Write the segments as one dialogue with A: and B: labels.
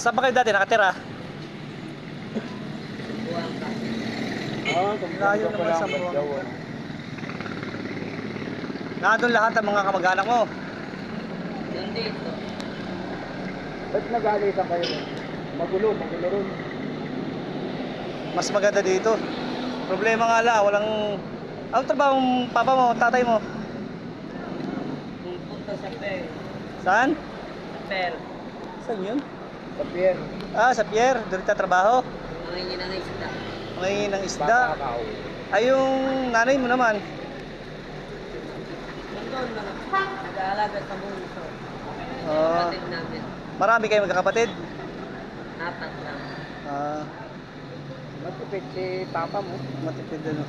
A: Saan ba kayo dati nakatira? Layo naman sa Buwang. Nandun lahat ang mga kamag-anak mo.
B: Nandito.
C: Ba't nag-aalitan kayo? Magulo ron.
A: Mas maganda dito. Problema nga lang, walang... Anong trabaho ng papa mo, tatay mo?
B: Pupunta sa Per.
A: Saan?
B: Per.
A: Saan yun?
C: Sa pier.
A: Ah, sa pier. Doon trabaho.
B: Mangingin ng isda.
A: Mangingi ng isda.
C: Kakao.
A: Ay, yung nanay mo naman.
B: Nandun lang. Nag-aalaga sa bunso.
A: Ah,
B: Kapatid namin.
A: marami kayo magkakapatid.
B: 4 lang.
A: Ah,
C: Matipid si papa mo.
A: matipid ano.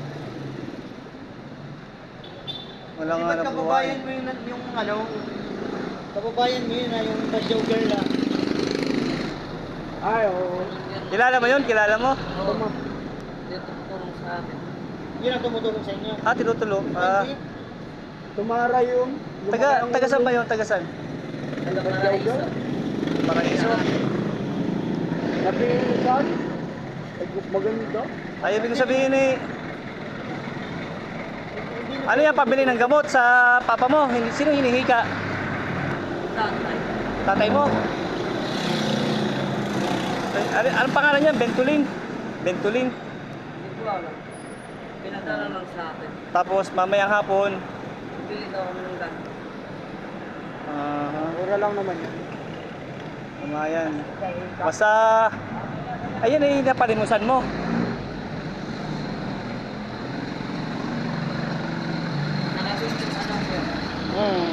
A: Wala nga
C: Ba't
A: na
C: kababayan
A: buhay.
C: mo yung ano? Kababayan mo yun na yung Basyaw girl ah. Ay, oo.
A: Kilala mo yun? Kilala mo?
B: Oo. Dito tulong sa amin.
C: Yun ang tumutulong sa inyo.
A: Ah, tinutulong. Ah,
C: Hindi. Tumara yung...
A: taga saan ba yun? Taga saan?
B: Taga Paraiso.
A: Paraiso.
C: Napilisan? Maganda.
A: Ay, ibig ko sabihin eh, ano yan, pabili ng gamot sa papa mo? Sino hinihika?
B: Tatay.
A: Tatay mo? Ay, anong pangalan niya? Bentuling? Bentuling.
B: Hindi ko alam. Pinadala lang sa akin.
A: Tapos mamayang hapon,
B: Bili daw kami ng ganito.
C: Mura lang naman yun.
A: Kamayan. Basta, ayun ay napalimusan mo.
B: Nakasustin sa nang po.
A: Hmm.